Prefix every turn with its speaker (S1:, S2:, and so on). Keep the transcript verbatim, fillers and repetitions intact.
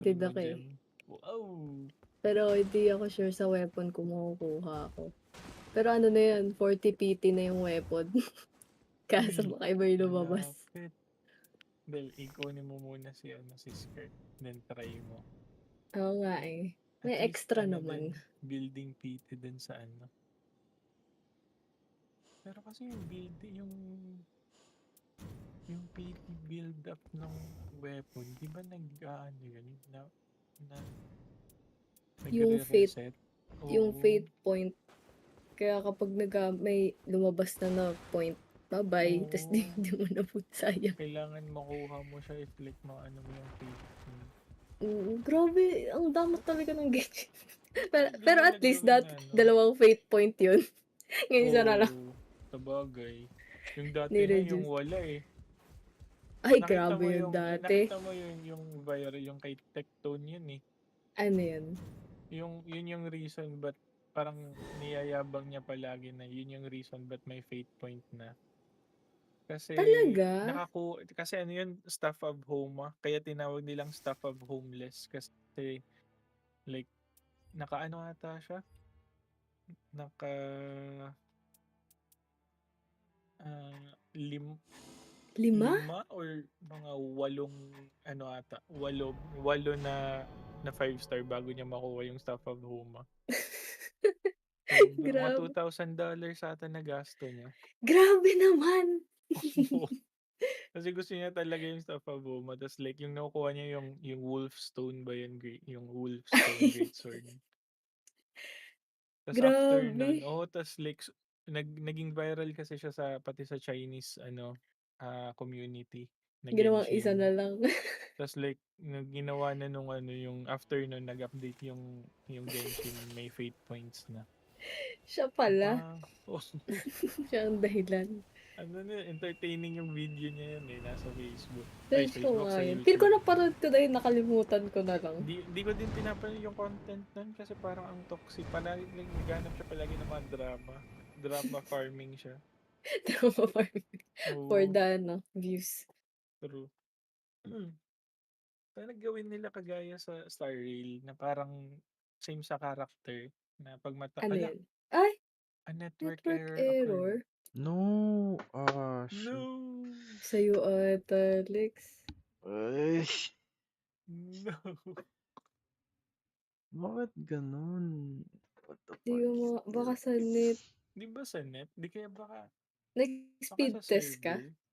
S1: Tid
S2: Rainbow
S1: ako, eh.
S2: gem. Wow!
S1: Pero hindi ako sure sa weapon kung makukuha ko. Pero ano na 'yun, forty P-T na yung weapon. Kaso
S2: Uy,
S1: baka iba yung lumabas.
S2: malapit. Well, i kunin mo muna si ano, si skirt, then try mo.
S1: Oo nga, eh.
S2: At
S1: May
S2: least
S1: extra
S2: ano
S1: naman.
S2: din, building P-T din sa ano. Pero kasi yung build yung yung P-T build up ng weapon, 'di ba nag-aano yun, na na
S1: Yung fate
S2: nagre-reset?
S1: yung
S2: Oo.
S1: fate point. Kaya kapag naga may lumabas na na point, ba-bye, tas 'di
S2: Oo.
S1: di mo nabut sayang.
S2: Kailangan makuha mo siya if like maano mo yung fate point.
S1: Mm, grabe ang damot talaga ng Genshin. Pero
S2: Hindi
S1: pero
S2: nila
S1: at least
S2: gawin na
S1: dati
S2: ano.
S1: dalawang fate point 'yun. Ngayon isa na lang.
S2: Oo, sabagay. Yung dati nga yung
S1: Ni-reduce.
S2: wala, eh.
S1: Ay
S2: Nakita
S1: grabe
S2: mo
S1: 'yun
S2: yung
S1: dati.
S2: nakita mo yun yung viral yung kay Tectone yun, eh.
S1: Ano 'yun?
S2: Yung yun yung reason ba't parang niyayabang niya palagi na yun yung reason ba't may fate point na. Kasi
S1: Talaga?
S2: nakaku kasi ano yun, Staff of Homa, kaya tinawag nilang Staff of Homeless kasi like naka-ano ata siya, naka ah, lim
S1: Lima?
S2: lima or mga walong ano ata, walo walo na na five star bago niya makuha yung Staff of Homa. Sobra, mga two
S1: Grabe.
S2: thousand dollars ata nagasto niya.
S1: Grabe naman.
S2: Oo. Kasi gusto niya talaga yung Staff of Homa tas like yung nakukuha niya yung yung Wolf Stone ba yun, great yung Wolf Stone Greatsword. Tas after nun
S1: Grabe.
S2: oo, tas like nag naging viral kasi siya sa pati sa Chinese ano, ah, community na
S1: Ginawang isa na
S2: Genshin.
S1: lang.
S2: Tas like nag ginawa na nung ano yung after nun nag-update yung yung Genshin may fate points na.
S1: Siya pala.
S2: Wow.
S1: Siya ang dahilan.
S2: Ano na, entertaining yung video niya yun, eh, nasa Facebook. Ay,
S1: Search ko
S2: Facebook,
S1: nga
S2: sa
S1: 'yun. Feel ko
S2: YouTube.
S1: napanood ko na 'yun, nakalimutan ko na lang.
S2: Di di ko din pinapanood yung content nun kasi parang ang toxic, palagi like naghahanap siya palagi ng mga drama. Drama farming siya.
S1: Drama farming for
S2: Oo.
S1: the ano, views.
S2: True. Sana gawin nila kagaya sa Star Rail na parang same sa character na 'pag mata
S1: Ano
S2: hala!
S1: 'yun? Ay!
S2: A network
S1: Network
S2: error occurred.
S1: error?
S3: No! Ah, shit.
S2: No!
S1: Sa'yo ata, Lex.
S3: Ay!
S2: No!
S3: Bakit gano'n? What the
S1: 'Di
S3: fuck
S1: ko
S3: is
S1: ma baka
S3: this?
S1: sa net.
S2: 'Di ba sa net? 'Di kaya baka baka
S1: Nag-speed
S2: sa
S1: test ka?
S2: server?